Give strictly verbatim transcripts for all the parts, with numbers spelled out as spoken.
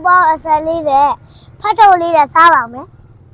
包二十里的，拍照里的啥玩意？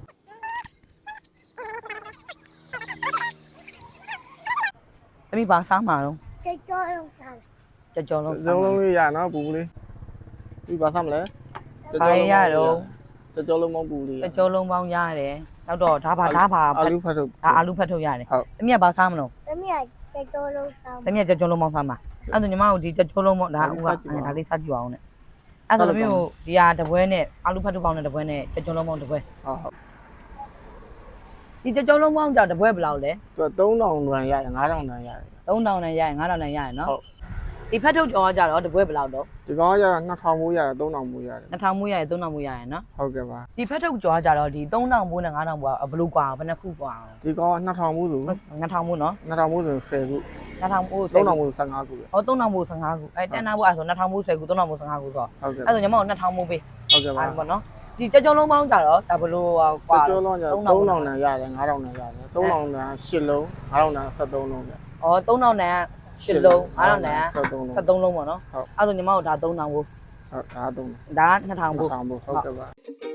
这边把啥嘛咯？ 这叫用啥？ 这叫咯。 ကျော်လုံးလေးရနော်ပူလေးပြီးပါစမ်းမလဲဘာရတော့ကျော်လုံးမောင်းပူလေး这叫龙帮ရတယ်နောက်တော့ဓာပါဓာပါအာလူဖတ်ထုတ်ဒါအာလူဖတ်ထုတ်ရတယ်ဟုတ်တမီးကဘာစားမလို့咱们也这叫用啥？ တမီးကကြက်ကြောလုံးပေါင်းစားမှာအဲ့ဒါညီမတို့ဒီကြက်ကြောလုံးပေါင်းဒါဥကဒါလေးစားကြည့်ပါအောင်နဲ့အဲ့ဒါတမီးကိုဒီဟာတပွဲနဲ့အာလူဖတ်ထုတ်ပေါင်းနဲ့တပွဲနဲ့ကြက်ကြောလုံးပေါင်းတပွဲဟုတ်ဟုတ်ဒီကြက်ကြောလုံးပေါင်းကြောင့်တပွဲဘယ်လောက်လဲသူကသုံးထောင်တန်ရတယ်ငါးထောင်တန်ရတယ်သုံးထောင်နဲ့ရရင်ငါးထောင်နဲ့ရရင်နော်ဟုတ်ဒီဖတ်ထုတ်ကြောကကြတော့တပွဲဘယ်လောက်တော့ဒီကောင်ကရတာနှစ်ထောင်မိုးရတယ်သုံးထောင်မိုးရတယ်နှစ်ထောင်မိုးရရင်သုံးထောင်မိုးရရင်နော်ဟုတ်ကဲ့ပါဒီဖတ်ထုတ်ကြောကကြတော့ဒီသုံးထောင်မိုးနဲ့ငါးထောင်မိုးကဘယ်လိုกว่าဘယ်နှခုกว่าဒီကောင်ကနှစ်ထောင်မိုးဆိုနှစ်ထောင်မိုးနော်နှစ်ထောင်မိုးဆိုဆယ်ခုနှစ်ထောင်မိုးသုံးထောင်မိုးဆယ်ငါးခုပဲဟောသုံးထောင်မိုးဆယ်ငါးခုအဲတန်နာမိုးအဲ့ဆိုနှစ်ထောင်မိုးဆယ်ခုသုံးထောင်မိုးဆယ်ငါးခုဆိုဟုတ်ကဲ့အဲ့ဆိုညီမတို့နှစ်ထောင်မိုးပေးဟုတ်ကဲ့ပါအဲ့ပေါ့နော်ဒီကြက်ကြောလုံးပေါင်းကြတော့ဒါဘလို့ကွာကျော်လုံးကျသုံးထောင်တန်ရတယ်ငါးထောင်တန်ရတယ်သုံးထောင်တန်ရှစ်လုံးငါးထောင်တန်ဆက်သုံးလုံးပဲဩသုံးထောင်နဲ့ရှစ်လုံးငါးထောင်နဲ့ဆက်သုံးလုံးဆက်သုံးလုံးပေါ့နော်ဟုတ်အဲ့ဆိုညီမတို့ဒါသုံးထောင်မိုးဟုတ်ဒါသုံးဒါကနှစ်ထောင်မိုးဆောင်ဖို့ဟုတ်ကဲ့ပါ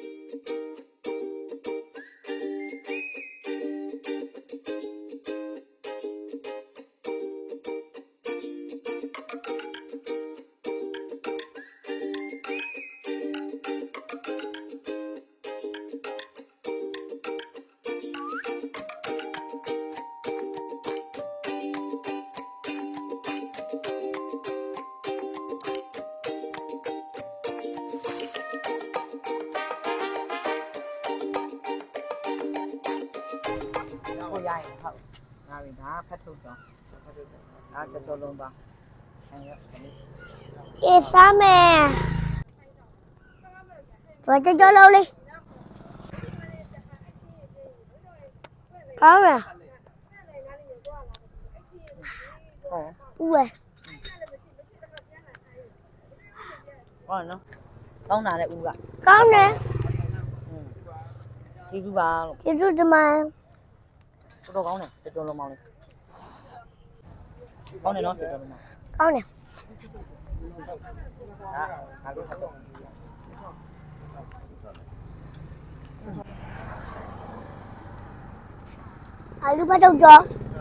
ကိုရရင်ဟုတ်ငါပြီဒါဖတ်ထုတ်ကြောဖတ်ထုတ်ကြောဒါကြက်ကြောလုံးပေါင်းအဲ့ရ一啥没？做这叫老嘞。干没？ ဟော不哎， ဟောနော်ကောင်းတာလေဦးက干呢？ ဒီစုပါလို့这就这么， တော်တော်ကောင်းတယ်ကြက်ကြောလုံးပေါင်းလေးကောင်းတယ်နော်ကြက်ကြောလုံးပေါင်း干呢？ ဒါငါတို့ဖတ်ထုတ်阿鲁巴豆角，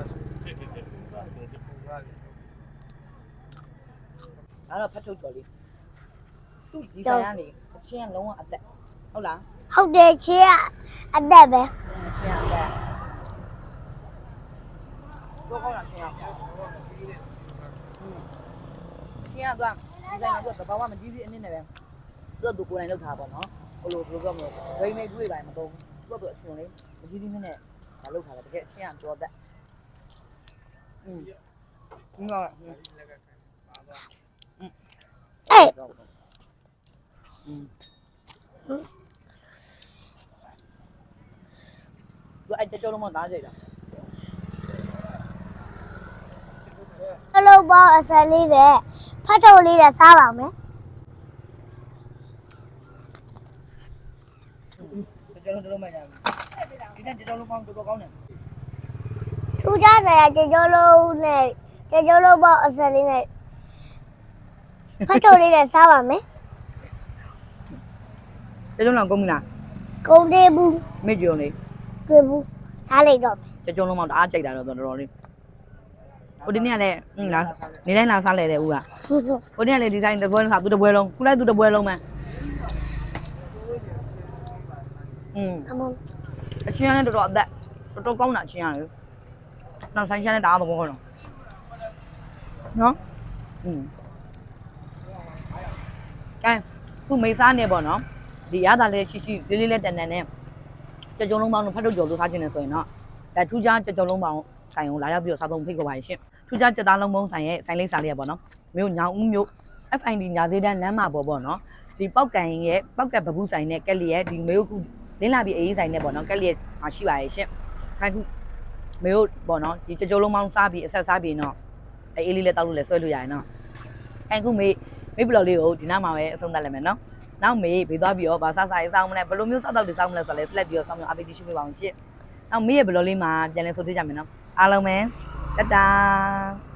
ဒါတော့ဖတ်ထုတ်ကြော်လေးသူ့ဒီဆိုင်ကနေအချင်းကလုံးဝအသက်ဟုတ်လား好的吃，阿呆呗。 အချင်းကအသက်တော့ကောင်းတာချင်းရောက်ချင်းကတော့ဒီဆိုင်ကတော့တဘာဝမကြည့်ပြီးအနည်းနဲ့ပဲသူ့သူကိုယ်တိုင်လောက်ထားပါတော့ဟိုလိုဘယ်လိုပြောမလဲဝိမိတ်တွေးတိုင်းမတော့သူ့သူအချင်းလေးမကြည့်ပြီးနဲ့ဒါလောက်ထားတယ်တကယ်အချင်းကတော့သက်อืมဒီက哎， อืมသူအဲ့ကြောလုံးမသားကြိတ်တာ阿鲁包二十里的，拍照里的啥玩意？ ကြောလုံးလုံးမကြဘူးဒီတဲ့ကြောလုံးပေါင်းတော်တော်ကောင်းတယ်出家噻，这叫老呢，这叫老包二十里的，拍照里的啥玩意？ ကြောလုံးလောက်ကုန်ပြီလား公的不， မေ့ကြုံလေး对不？啥来着？ ကြောလုံးပေါင်းတအားကြိတ်တာတော့တော်တော်လေးဟိုဒီနေ့ကလည်းဟင်းလားနေတိုင်းလာစားလဲတဲ့ဦးကဟိုနေ့ကလည်းဒီတိုင်းတပွဲစားသူတပွဲလုံးခုလိုက်သူတပွဲလုံးမှอืม阿毛， အချင်းကလည်းတော်တော်အသက်တော်တော်ကောင်းတာအချင်းရတယ်နောက်ဆိုင်ရှမ်းနဲ့တအားသဘောကောင်းတော့နော်อืมကဲခုမိသားနေပေါ့နော်ဒီရတာလေးရှိရှိလေးလေးလေးတန်တန်နဲ့ကြကြုံလုံးပေါင်းတို့ဖတ်ထုတ်ကြော်လို့ထားခြင်းနဲ့ဆိုရင်တော့ဒါထူးခြားကြကြုံလုံးပေါင်းဆိုင်ကိုလာရောက်ပြီးတော့စားသုံးဖိတ်ခေါ်ပါရှင်ထူးခြားကြက်သားလုံးပေါင်းဆိုင်ရဲ့ဆိုင်လေးစားလေးရပေါ့နော်မြို့ညောင်ဦးမြို့ F I D ညာသေးတန်းလမ်းမှာပေါ့ပေါ့နော်ဒီပောက်ကန်ရဲ့ပောက်ကတ်ဘဘူးဆိုင်နဲ့ကက်လီရဲ့ဒီမေယုခုလင်းလာပြီးအေးဆိုင်နဲ့ပေါ့နော်ကက်လီရဲ့မရှိပါရဲ့ရှင်ခိုင်းခုမေယုပေါ့နော်ဒီကြကြုံလုံးပေါင်းစားပြီးအဆက်စားပြီးတော့အေးအေးလေးလည်းတောက်လို့လည်းဆွဲလို့ရရင်နော်ခိုင်းခုမေမေဘလော်လေးကိုဒီနားမှာပဲအဆုံးသတ်လိုက်မယ်နော်နောက်မေဘေးသွားပြီးတော့ဗာစားစားရေးစားမလဲဘယ်လိုမျိုးစားတော့တွေစားမလဲဆိုတော့လဲ select ပြီးတော့ဆောင်းမျိုး update ရှိပေးပါအောင်ရှင့်နောက်မေရဲ့ဘလော်လေးမှာပြန်လဲဆိုသေးကြမယ်နော်အားလုံးပဲတတာ